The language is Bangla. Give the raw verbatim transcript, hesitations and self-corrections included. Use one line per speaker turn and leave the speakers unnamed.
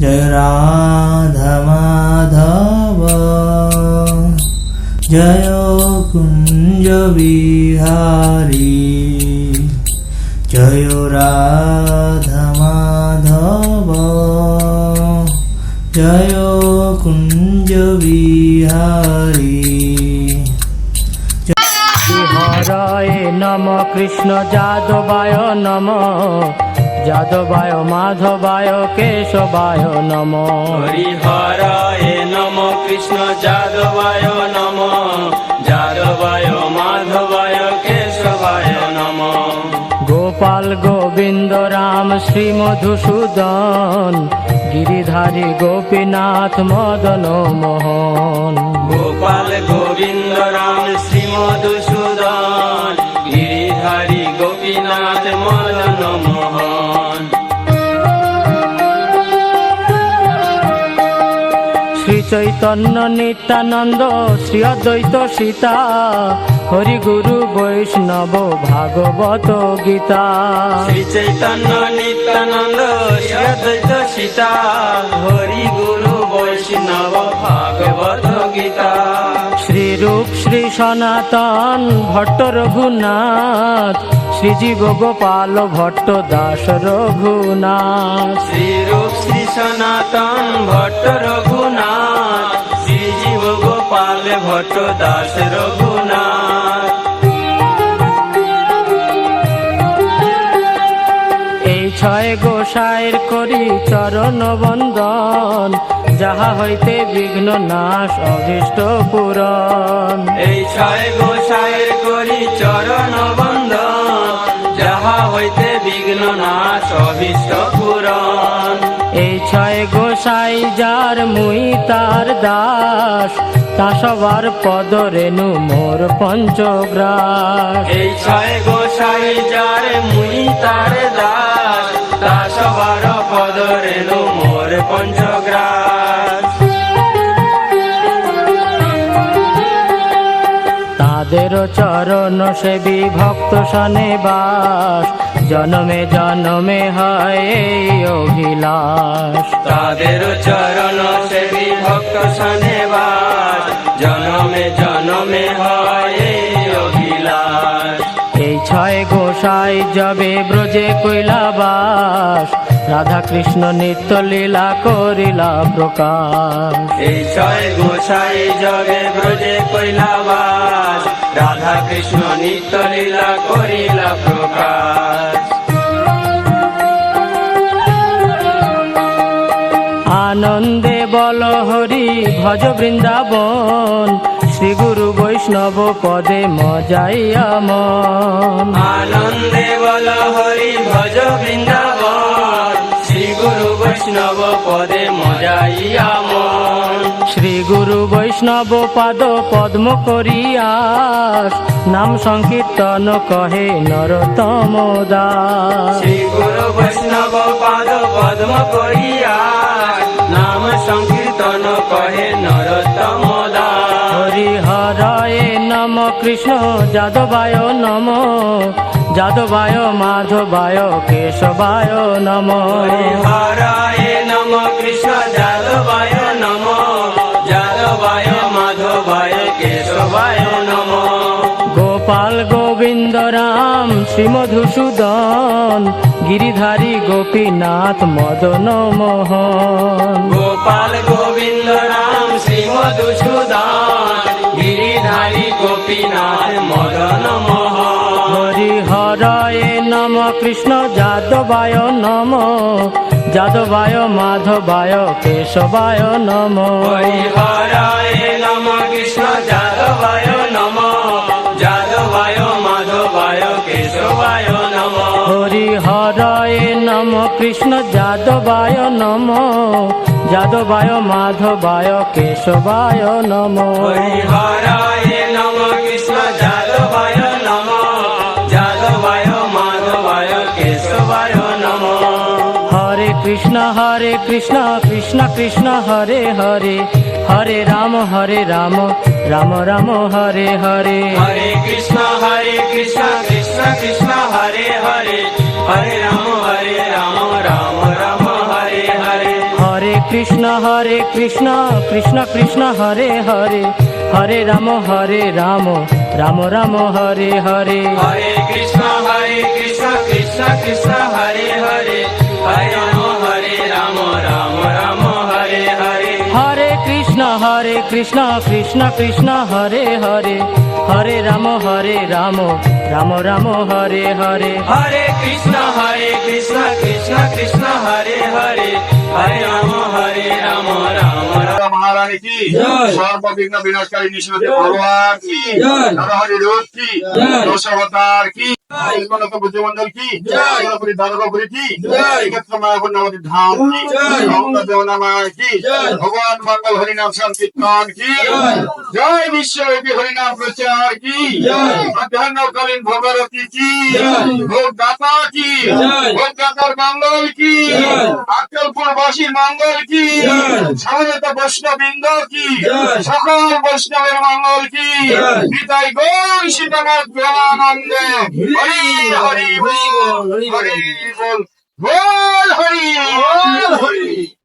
जय राधा माधव जय कुंज बिहारी जय राधा माधव जय कुंज बिहारी। हराय नम कृष्ण जादवाय नम जादवाय माधवाय केशवाय नम।
हरिहराय नम कृष्ण जादवाय नम जादवाय माधवाय केशवाय नम।
गोपाल गोविंद राम श्री मधुसूदन गिरिधारी गोपीनाथ मदन मोहन।
गोपाल गोविंद राम श्री मधुसूदन गिरिधारी गोपीनाथ मदन मोहन।
श्री चैतन्य नित्यानंद श्री अद्वैत सीता हरि गुरु वैष्णव भागवत गीता।
श्री चैतन्य नित्यानंद श्री अद्वैत सीता हरि गुरु वैष्णव भागवत गीता।
श्री रूप श्री सनातन भट्ट रघुनाथ श्री जीव गोपाल भट्ट दास रघुनाथ।
श्री रूप श्री सनातन भट्ट रघुनाथ श्री जीव गोपाल भट्ट दास रघुनाथ।
এই ছয় গোসাইর করি চরণ বন্দন যাহা হইতে বিঘ্ন নাশ অভীষ্ট পূরণ।
এই ছয় গোসাইয়ের করি চরণ বন্দন যাহা হইতে বিঘ্ন নাশ অভীষ্ট পূরণ।
এই ছয় গোসাই যার মুই তার দাস তা সবার পদ রেণু মোর পঞ্চগ্রাস।
এই ছয় গোসাই যার মুই তার দাস তা সবার পদ রেণু মোর পঞ্চগ্রাস।
তাদের চরণ সেবী ভক্ত সনে বাস জনমে জনমে হয় এই অভিলাষ।
তাদের চরণ সেবী ভক্ত সনে বাস জনমে জনমে হয় এই অভিলাষ।
এই ছয় গোসাই যাবে ব্রজে কৈলাবাস রাধা কৃষ্ণ নিত্য লীলা করিলা প্রকাশ।
এই ছয় গোসাই জগে ব্রজে কৈলাবাস রাধা কৃষ্ণ নিত্য লীলা করিলা প্রকাশ।
আনন্দে বল হরি ভজ বৃন্দাবন শ্রী গুরু বৈষ্ণব পদে মজাইয়া মন।
আনন্দে বল হরি ভজ বৃন্দাবন শ্রী গুরু বৈষ্ণব পদে মজাইয়া মন।
শ্রী গুরু বৈষ্ণব পাদ পদ্ম করিয়াস নাম সংকীর্তন কহে নরোত্তম দাস।
শ্রী গুরু বৈষ্ণব পাদ পদ্ম করিয়াস নাম সংকীর্তন কহে নরোত্তম দাস।
হরিহরায় নম কৃষ্ণ যাদবায় নম যাদবায় মাধবায় কেশবায় নম।
হরিহরায় নম কৃষ্ণ যাদবায় নম যাদবায় মাধবায় কেশবায় নম।
গোপাল গোবিন্দ রাম শ্রী মধুসূদন গিরিধারী গোপীনাথ মদন মোহন।
গোপাল গোবিন্দ রাম শ্রী মধুসূদন গিরিধারী গোপীনাথ মদন মোহন।
হরিহরায় নম কৃষ্ণ যাদবায় নম যাদবায় মাধবায় কেশবায় নম।
হরিহরায় নম কৃষ্ণ যাদবায় নম যাদবায় মাধবায় কেশবায় নম।
হরিহরায় নম কৃষ্ণ যাদবায় নম যাদবায় মাধবায় কেশবায় নম।
হরিহরায় নম কৃষ্ণ যাদবায় নম যাদবায় মাধবায় কেশবায় নম।
হরে কৃষ্ণ হরে কৃষ্ণ কৃষ্ণ কৃষ্ণ হরে হরে হরে রাম হরে রাম রাম রাম হরে হরে।
হরে কৃষ্ণ হরে কৃষ্ণ কৃষ্ণ কৃষ্ণ হরে হরে হরে রাম হরে রাম রাম রাম হরে হরে।
হরে কৃষ্ণ হরে কৃষ্ণ কৃষ্ণ কৃষ্ণ হরে হরে হরে রাম হরে রাম রাম রাম হরে হরে
Hare Krishna, Hare Krishna, Krishna Krishna, Hare Hare, Hare Rama, Hare Rama, Rama Rama, Hare Hare.
হরে কৃষ্ণ হরে কৃষ্ণ কৃষ্ণ কৃষ্ণ হরে হরে হরে রাম হরে রাম রাম রাম হরে হরে
Hare Krishna, Hare Krishna, Krishna Krishna, Hare Hare, Hare Rama, Hare Rama, Rama Rama.
মহারানী কি সর্ববিঘ্ন বিনাশকারী নিষ্ঠুর ভগবান কি নরহরি রূপ কি দশাবতার কি বুদ্ধিমন্ডল কি গণপতি দাদগপুরী কি এক্ষেত্র মায়াপুর নবতী ধাম কি অমৃত দেবনামায় কি ভগবান মঙ্গল হরিনাম সংকীর্তন কি জয় বিশ্বব্যাপী হরিনাম প্রচার কি মধ্যাহ্নকালীন ভগবতী কি ভোগ দাতা কি ভোগ দাতার মঙ্গল কি আক্কেলপুরবাসীর মঙ্গল কি সমবেত বৈষ্ণববৃন্দ কি সকল বৈষ্ণবের মঙ্গল কি নিতাই গৌর সীতানাথ প্রেমানন্দে হরি হরি বল হরি বল বল হরি বল হরি